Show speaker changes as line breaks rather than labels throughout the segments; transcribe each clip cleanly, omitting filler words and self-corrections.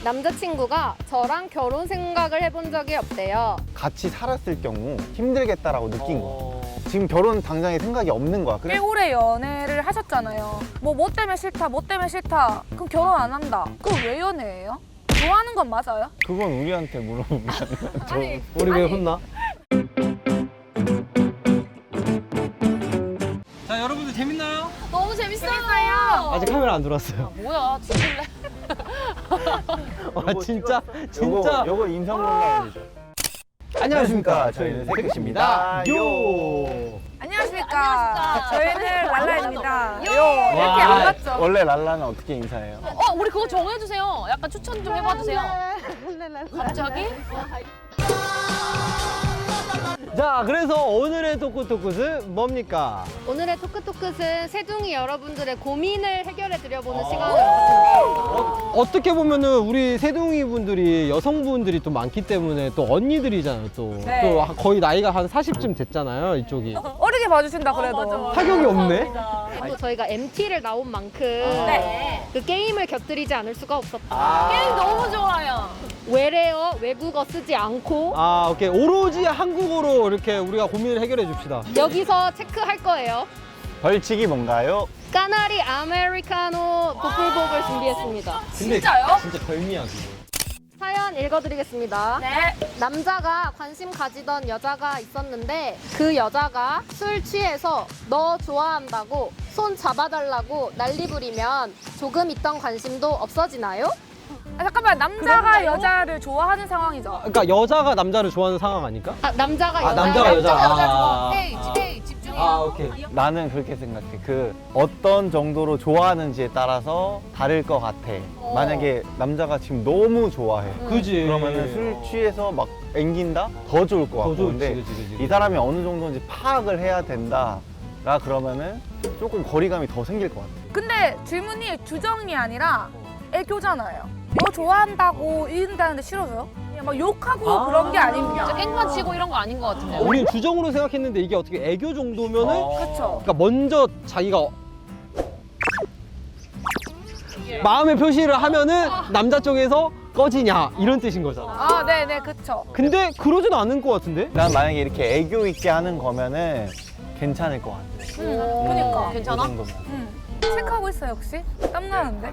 남자친구가 저랑 결혼 생각을 해본 적이 없대요.
같이 살았을 경우 힘들겠다라고 느낀 거야. 지금 결혼 당장에 생각이 없는 거야.
꽤
그래?
오래 연애를 하셨잖아요. 뭐 때문에 싫다, 뭐 때문에 싫다. 그럼 결혼 안 한다. 그럼 왜 연애해요? 좋아하는 건 맞아요?
그건 우리한테 물어보면
아니,
우리 왜 혼나? 자, 여러분들 재밌나요?
너무 재밌어요.
아직 카메라 안 들어왔어요.
뭐야, 죽을래?
와, 진짜 진짜.
요거 인성 논란이죠.
안녕하십니까?
저희는
새끝입니다. 요.
안녕하십니까. 저희는 랄라입니다. 요.
와.
이렇게 안 맞죠?
원래 랄라는 어떻게 인사해요?
우리 그거 정해주세요. 약간 추천 좀 해봐주세요. 갑자기?
자, 그래서 오늘의 토크토크는 뭡니까?
오늘의 토크토크는 세둥이 여러분들의 고민을 해결해 드려보는 시간을 갖습니다.
어떻게 보면은 우리 세둥이 분들이 여성분들이 또 많기 때문에 또 언니들이잖아요. 또,
네.
또 거의 나이가 한 40쯤 됐잖아요. 이쪽이.
어리게 봐주신다 그래도.
타격이 없네.
그리고 저희가 MT를 나온 만큼
네.
그 게임을 곁들이지 않을 수가 없었다.
게임 너무 좋아요.
외래어, 외국어 쓰지 않고
아, 오케이. 오로지 한국어로 이렇게 우리가 고민을 해결해 줍시다.
여기서 체크할 거예요.
벌칙이 뭔가요?
까나리 아메리카노 보풀복을 준비했습니다.
진짜요?
진짜 별미야, 그거.
사연 읽어드리겠습니다.
네.
남자가 관심 가지던 여자가 있었는데 그 여자가 술 취해서 너 좋아한다고 손 잡아달라고 난리 부리면 조금 있던 관심도 없어지나요?
아, 잠깐만, 남자가 여자를 좋아하는 상황이죠.
그러니까 여자가 남자를 좋아하는 상황 아닐까?
남자가
아,
여자
남자가 여자. 아.
헤이, 집중해.
아, 오케이.
나는 그렇게 생각해. 그 어떤 정도로 좋아하는지에 따라서 다를 것 같아. 만약에 남자가 지금 너무 좋아해.
그지.
그러면은 술 취해서 막 앵긴다? 더 좋을 것
더
같고.
좋지,
근데
그지.
이 사람이 어느 정도인지 파악을 해야 된다. 라 그러면은 조금 거리감이 더 생길 것 같아.
근데 질문이 주정이 아니라 애교잖아요. 너 좋아한다고 이른다는데 싫어져요? 그냥 막 욕하고 그런 게 아닙니다.
진짜 깽판 치고 이런 거 아닌 것 같은데요.
우린 주정으로 생각했는데 이게 어떻게 애교 정도면은
그쵸.
그러니까 먼저 자기가 마음의 표시를 하면은 남자 쪽에서 꺼지냐 이런 뜻인 거잖아.
아, 네네, 그쵸.
근데 그러진 않은 것 같은데?
난 만약에 이렇게 애교 있게 하는 거면은 괜찮을 것 같아.
그니까.
괜찮아?
그 정도면.
체크하고 있어요, 혹시? 땀나는데?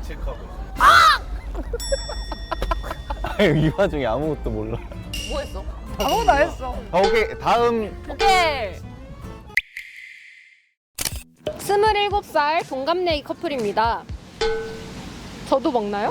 이 와중에 아무것도 몰라.
뭐 했어?
아무것도 안 했어.
오케이, 다음.
오케이.
27살 동갑내기 커플입니다. 저도 먹나요?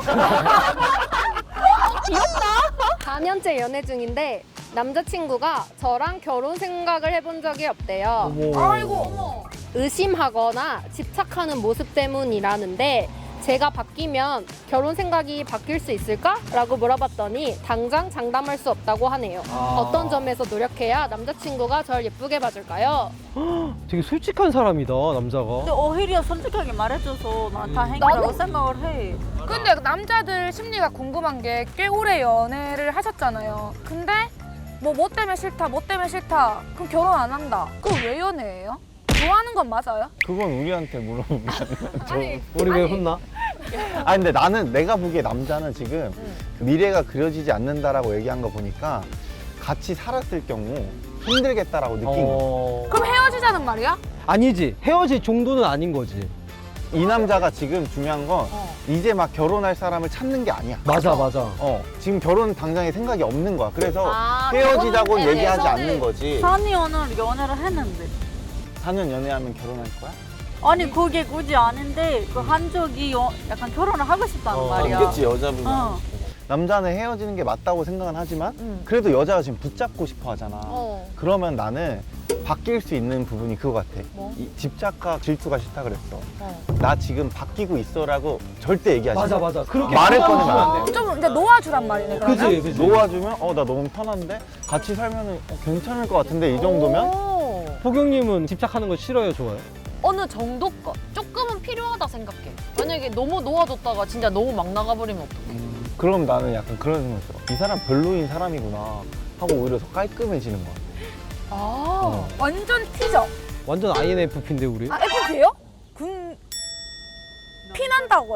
귀엽다. 4년째 연애 중인데 남자친구가 저랑 결혼 생각을 해본 적이 없대요.
아이고, 어머.
의심하거나 집착하는 모습 때문이라는데 제가 바뀌면 결혼 생각이 바뀔 수 있을까? 라고 물어봤더니 당장 장담할 수 없다고 하네요. 어떤 점에서 노력해야 남자친구가 절 예쁘게 봐줄까요?
되게 솔직한 사람이다, 남자가.
근데 오히려 솔직하게 말해줘서 난 다행이라고 생각을 해.
근데 남자들 심리가 궁금한 게 꽤 오래 연애를 하셨잖아요. 근데 뭐 때문에 싫다, 뭐 때문에 싫다. 그럼 결혼 안 한다. 그럼 왜 연애해요? 좋아하는 건 맞아요?
그건 우리한테 물어보면
우리 왜 혼나?
아 근데 나는 내가 보기에 남자는 지금 그 미래가 그려지지 않는다라고 얘기한 거 보니까 같이 살았을 경우 힘들겠다라고 느낀 거야.
그럼 헤어지자는 말이야?
아니지. 헤어질 정도는 아닌 거지.
이 남자가 지금 중요한 건 이제 막 결혼할 사람을 찾는 게 아니야.
맞아.
지금 결혼 당장에 생각이 없는 거야. 그래서
아,
헤어지자고
결혼에
얘기하지
대해서는-
않는 거지.
산이 오늘 연애를 했는데.
4년 연애하면 결혼할 거야?
아니 그게 굳이 아닌데 그 한쪽이 약간 결혼을 하고 싶다는 말이야.
있겠지 여자분은.
어.
남자는 헤어지는 게 맞다고 생각은 하지만 그래도 여자가 지금 붙잡고 싶어 하잖아. 그러면 나는 바뀔 수 있는 부분이 그거 같아.
뭐?
이 집착과 질투가 싫다 그랬어. 나 지금 바뀌고 있어라고 절대 얘기하지 마.
맞아. 그렇게
말을
부담
꺼내면
주면
안 돼.
좀 이제 놓아주란 말이네, 그러면?
그지.
놓아주면 나 너무 편한데 같이 살면은 괜찮을 것 같은데 이 정도면
오.
포경님은 집착하는 거 싫어요, 좋아요?
어느 정도 것. 조금은 필요하다 생각해. 만약에 너무 놓아줬다가 진짜 너무 막 나가버리면 어떡해.
그럼 나는 약간 그런 생각 들어. 이 사람 별로인 사람이구나 하고 오히려 더 깔끔해지는 거야.
아.
완전 T죠?
완전 INFP인데 우리?
아, F예요? 피난다고요.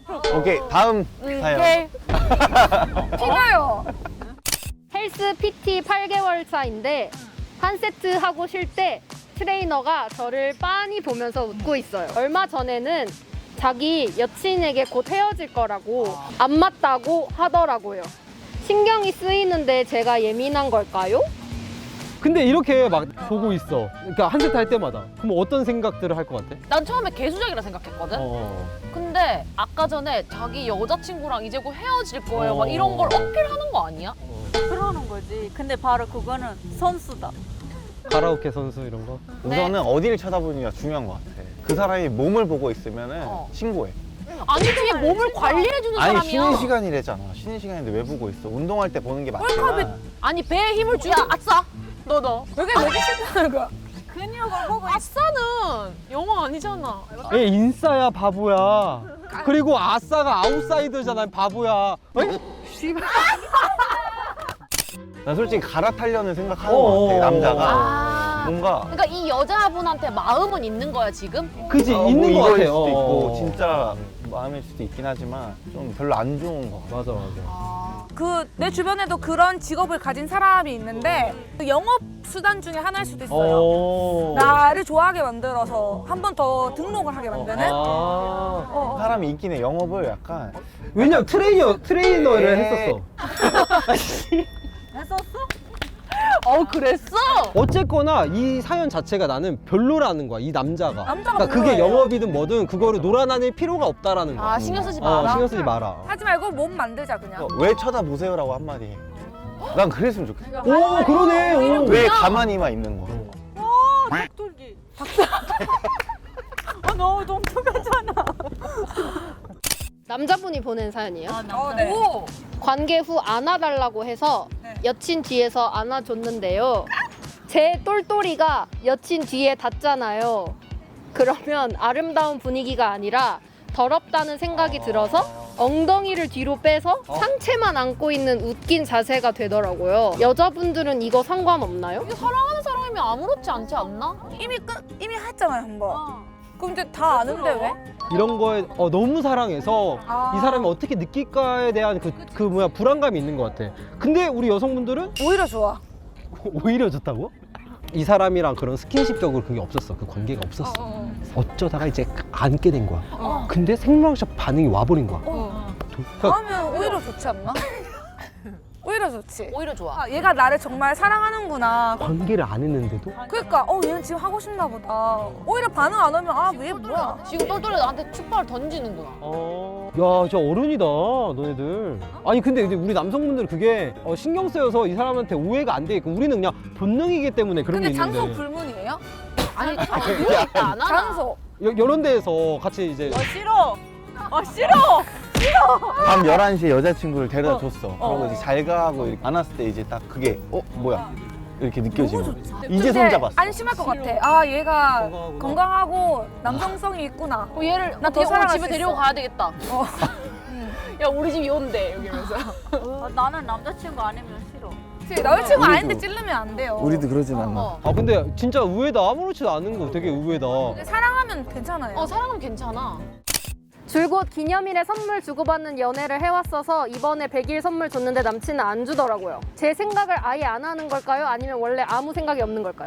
오케이, 다음 사연.
오케이.
피나요.
헬스 PT 8개월 차인데 한 세트 하고 쉴 때 트레이너가 저를 빤히 보면서 웃고 있어요. 얼마 전에는 자기 여친에게 곧 헤어질 거라고 안 맞다고 하더라고요. 신경이 쓰이는데 제가 예민한 걸까요?
근데 이렇게 막 보고 있어. 그러니까 한 세트 할 때마다. 그럼 어떤 생각들을 할 것 같아?
난 처음에 개수작이라 생각했거든. 근데 아까 전에 자기 여자친구랑 이제 곧 헤어질 거예요. 막 이런 걸 어필하는 거 아니야?
그러는 거지. 근데 바로 그거는 선수다.
가라오케 선수 이런 거?
우선은 어디를 쳐다보느냐가 중요한 것 같아. 그 사람이 몸을 보고 있으면은
어.
신고해.
아니지, 몸을 관리해주는
아니,
사람이야.
쉬는 시간이래잖아. 쉬는 시간인데 왜 보고 있어? 운동할 때 보는 게 맞지만.
아니, 배에 힘을 주야. 아싸. 너.
왜 이렇게 싫다는 거야?
근육을 보고
아싸는 영어 아니잖아.
얘 인싸야 바보야. 그리고 아싸가 아웃사이더잖아 바보야. 어이?
난 솔직히 갈아타려는 생각하는 것 같아, 남자가.
아.
뭔가.
그러니까 이 여자분한테 마음은 있는 거야, 지금?
그지
뭐
있는 거 같아.
이거일 수도 있고, 진짜 마음일 수도 있긴 하지만 좀 별로 안 좋은 거 같아.
맞아.
그 내 주변에도 그런 직업을 가진 사람이 있는데 그 영업 수단 중에 하나일 수도 있어요. 나를 좋아하게 만들어서 한 번 더 등록을 하게 만드는.
사람이 있긴 해. 영업을 약간.
왜냐면 트레이너를
에.
했었어.
그랬어?
어쨌거나 이 사연 자체가 나는 별로라는 거야 이 남자가.
남자가
그러니까 그게
별로예요.
영업이든 뭐든 그거를 놀아나닐 필요가 없다라는 거야.
아, 신경 쓰지 마라.
신경 쓰지 마라.
하지 말고 몸 만들자 그냥.
왜 쳐다보세요라고 한마디 해. 난 그랬으면 좋겠어.
오 그러네. 오.
왜 가만히만 있는 거야?
닭돌기. 너무 동통하잖아.
남자분이 보낸 사연이에요.
네.
오!
관계 후 안아달라고 해서
네.
여친 뒤에서 안아줬는데요. 제 똘똘이가 여친 뒤에 닿잖아요. 그러면 아름다운 분위기가 아니라 더럽다는 생각이 들어서 엉덩이를 뒤로 빼서 상체만 안고 있는 웃긴 자세가 되더라고요. 여자분들은 이거 상관없나요?
이거 사랑하는 사람이면 아무렇지 않지 않나?
이미 했잖아요 한 번. 그럼 이제 다 아는데 왜?
이런 거에 너무 사랑해서 이 사람이 어떻게 느낄까에 대한 그 뭐야 불안감이 있는 것 같아. 근데 우리 여성분들은
오히려 좋아.
오히려 좋다고? 이 사람이랑 그런 스킨십적으로 그게 없었어. 그 관계가 없었어. 어쩌다가 이제 안게 된 거야. 근데 생로학적 반응이 와버린 거야. 그러니까
그러면 오히려 좋지 않나? 오히려 좋지.
오히려 좋아.
아, 얘가 나를 정말 사랑하는구나.
관계를 안 했는데도
그러니까 얘는 지금 하고 싶나 보다. 오히려 반응 안 오면 얘 뭐야?
지금 똘똘이 나한테 축발을 던지는구나.
야, 저 어른이다, 너네들. 아니, 근데 우리 남성분들은 그게 신경 쓰여서 이 사람한테 오해가 안 되게끔 우리는 그냥 본능이기 때문에 그런 게
근데
있는데.
장소 불문이에요?
아니, 그러니까 안 하나?
장소.
이런 데에서 같이 이제
싫어. 싫어.
밤 11시에 여자친구를 데려다 줬어. 그러고 이제 잘 가고 이렇게 안았을 때 이제 딱 그게 뭐야? 이렇게 느껴지면 이제 손 잡았어.
안심할 것 같아. 얘가 건강하고 남성성이 있구나.
얘를
나더
어떻게 오늘
사랑할
집에
수
데리고
있어.
가야 되겠다. 야, 우리 집이 온대, 여기면서.
나는 남자친구 아니면 싫어.
남자친구
우리도.
아닌데 찔르면 안 돼요.
우리도 그러진 않아.
근데 진짜 의외다. 아무렇지도 않은 거 되게 의외다.
근데 사랑하면 괜찮아요.
사랑하면 괜찮아.
줄곧 기념일에 선물 주고받는 연애를 해왔어서 이번에 100일 선물 줬는데 남친은 안 주더라고요. 제 생각을 아예 안 하는 걸까요? 아니면 원래 아무 생각이 없는 걸까요?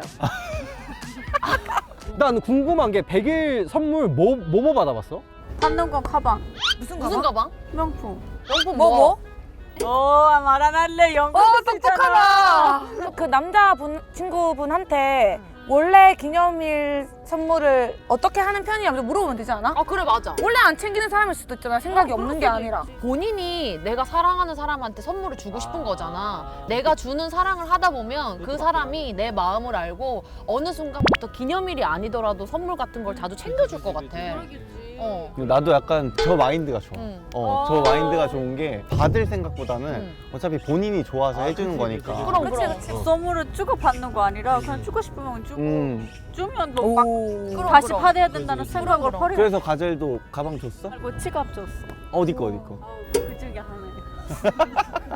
난 궁금한 게 100일 선물 뭐 받아봤어?
받는 건 가방.
무슨
무슨 가방?
명품.
명품
뭐?
말 안 할래. 영국
똑똑하다. 그 남자분 친구분한테 원래 기념일 선물을 어떻게 하는 편이냐고 물어보면 되지 않아?
그래, 맞아.
원래 안 챙기는 사람일 수도 있잖아. 생각이 없는 게 아니라.
본인이 내가 사랑하는 사람한테 선물을 주고 싶은 거잖아. 내가 주는 사랑을 하다 보면 그 사람이 내 마음을 알고 어느 순간부터 기념일이 아니더라도 선물 같은 걸 자주 챙겨줄 것 같아.
나도 약간 저 마인드가 좋아.
응.
저 마인드가 좋은 게 받을 생각보다는 어차피 본인이 좋아서 해주는 거니까.
그럼.
선물을 주고 받는 거 아니라 그냥 주고 싶으면 주고 주면 뭐 막
그럼,
다시
그럼.
받아야 된다는 생각을 버려.
그래서 가젤도 가방 줬어?
뭐 지갑 줬어.
어디 거?
그 중에 하나.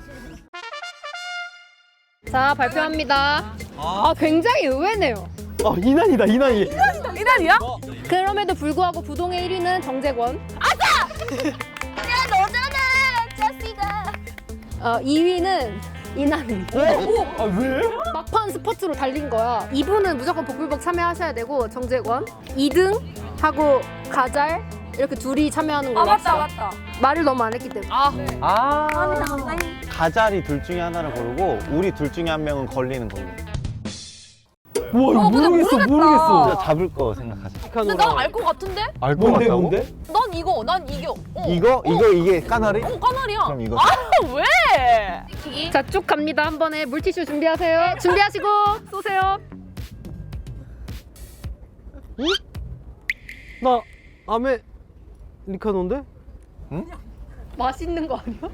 자, 발표합니다. 굉장히 의외네요.
이난이다, 이난이.
이날이야?
그럼에도 불구하고 부동의 1위는 정재권. 2위는 이나미.
아 왜?
막판 스포츠로 달린 거야. 2부는 무조건 복불복 참여하셔야 되고 정재권 2등 하고 가잘 이렇게 둘이 참여하는
아
거였어.
맞다.
말을 너무 안 했기 때문에.
아
가자리 둘 중에 하나를 고르고 우리 둘 중에 한 명은 걸리는 걸로.
우와 이거
근데
모르겠어
모르겠다.
모르겠어.
우리가 잡을 거 생각하자.
근데 난 알 것 같은데?
알것
뭔데
같다고?
뭔데?
난 이거, 난 이게.
이게 까나리?
까나리야.
그럼 이거.
아, 왜?
자, 쭉 갑니다. 한 번에 물티슈 준비하세요. 준비하시고 쏘세요.
나 아메리카노인데?
맛있는 거 아니야?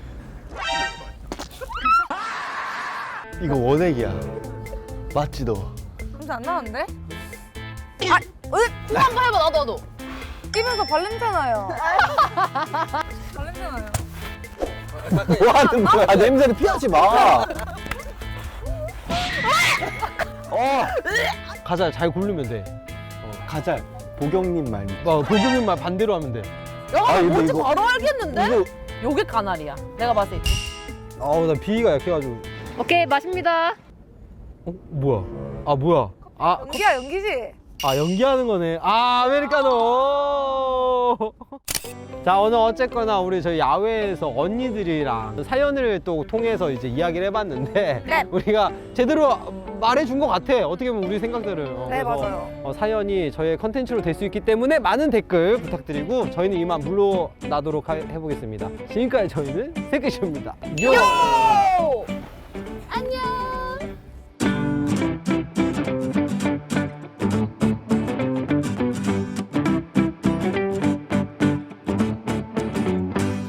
이거 원액이야. 맞지 너?
냄새 안 나는데?
이거 한번 해봐, 나도.
입에서 발냄새나요. 발냄새나요.
뭐 하는 거야? 냄새를 피하지 마.
가자 잘 고르면 돼.
가자. 보경님 말.
보경님 말 반대로 하면 돼.
야,
아, 근데
뭔지
이거-
바로 알겠는데?
이거
요게 까나리야. 내가 봤을 때.
나 비위가 약해가지고.
오케이, 마십니다.
뭐야? 뭐야?
연기야 연기지.
연기하는 거네. 아메리카노. 자 오늘 어쨌거나 우리 저희 야외에서 언니들이랑 사연을 또 통해서 이제 이야기를 해봤는데
네.
우리가 제대로 말해준 것 같아. 어떻게 보면 우리 생각들을.
네,
그래서,
맞아요.
사연이 저희의 컨텐츠로 될 수 있기 때문에 많은 댓글 부탁드리고 저희는 이만 물러나도록 해보겠습니다. 지금까지 저희는 세크쇼입니다.
요!